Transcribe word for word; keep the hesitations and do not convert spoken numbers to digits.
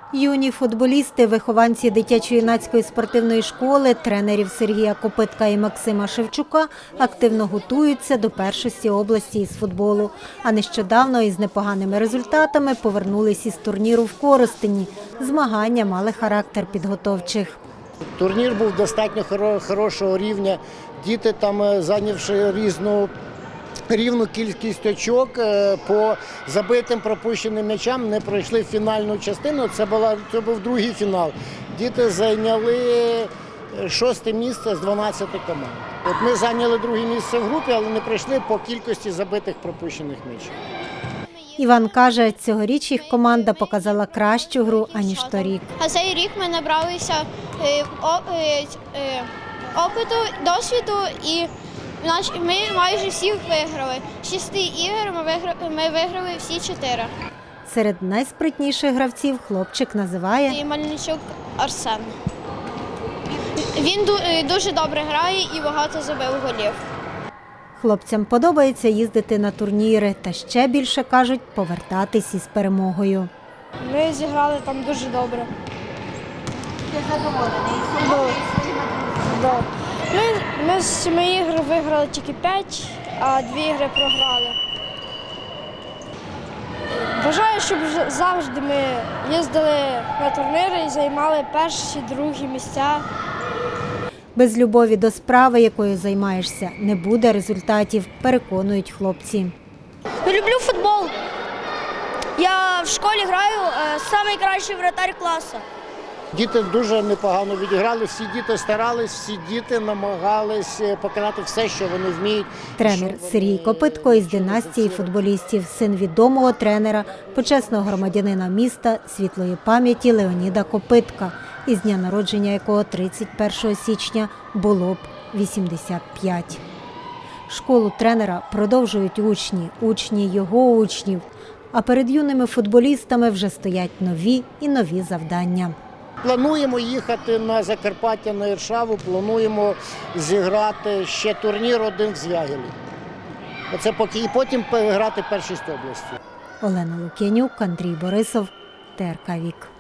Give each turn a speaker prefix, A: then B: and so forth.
A: Юні футболісти, вихованці дитячо-юнацької спортивної школи, тренерів Сергія Копитка і Максима Шевчука активно готуються до першості області із футболу. А нещодавно із непоганими результатами повернулись із турніру в Коростені. Змагання мали характер підготовчих.
B: Турнір був достатньо хорошого рівня. Діти там, зайнявши різну рівну кількість очок, по забитим пропущеним м'ячам не пройшли фінальну частину. Це, була, це був другий фінал. Діти зайняли шосте місце з дванадцяти команд. От ми зайняли друге місце в групі, але не пройшли по кількості забитих пропущених м'ячів.
A: Іван каже, цьогоріч їх команда показала кращу гру, аніж торік.
C: А цей рік ми набралися опиту, досвіду і ми майже всіх виграли. З шести ігор ми виграли, ми виграли всі чотири.
A: Серед найспритніших гравців хлопчик називає
C: Мельничук Арсен. Він дуже добре грає і багато забив голів.
A: Хлопцям подобається їздити на турніри та ще більше, кажуть, повертатись із перемогою.
C: Ми зіграли там дуже добре.
A: Ти задоволений?
C: Да. Ми, ми з семи ігор виграли тільки п'ять, а дві ігри програли. Бажаю, щоб завжди ми їздили на турніри і займали перші, другі місця.
A: Без любові до справи, якою займаєшся, не буде результатів, переконують хлопці.
C: Люблю футбол. Я в школі граю, найкращий вратар класу.
B: Діти дуже непогано відіграли, всі діти старались, всі діти намагались показати все, що вони вміють.
A: Тренер Сергій Копитко із династії футболістів, син відомого тренера, почесного громадянина міста, світлої пам'яті Леоніда Копитка, із дня народження якого тридцять першого січня було б вісімдесят п'ять. Школу тренера продовжують учні, учні його учнів, а перед юними футболістами вже стоять нові і нові завдання.
B: Плануємо їхати на Закарпаття, на Іршаву, плануємо зіграти ще турнір один в Звягелі. Оце поки і потім грати першість області.
A: Олена Лук'янюк, Андрій Борисов, Т Р К Вік.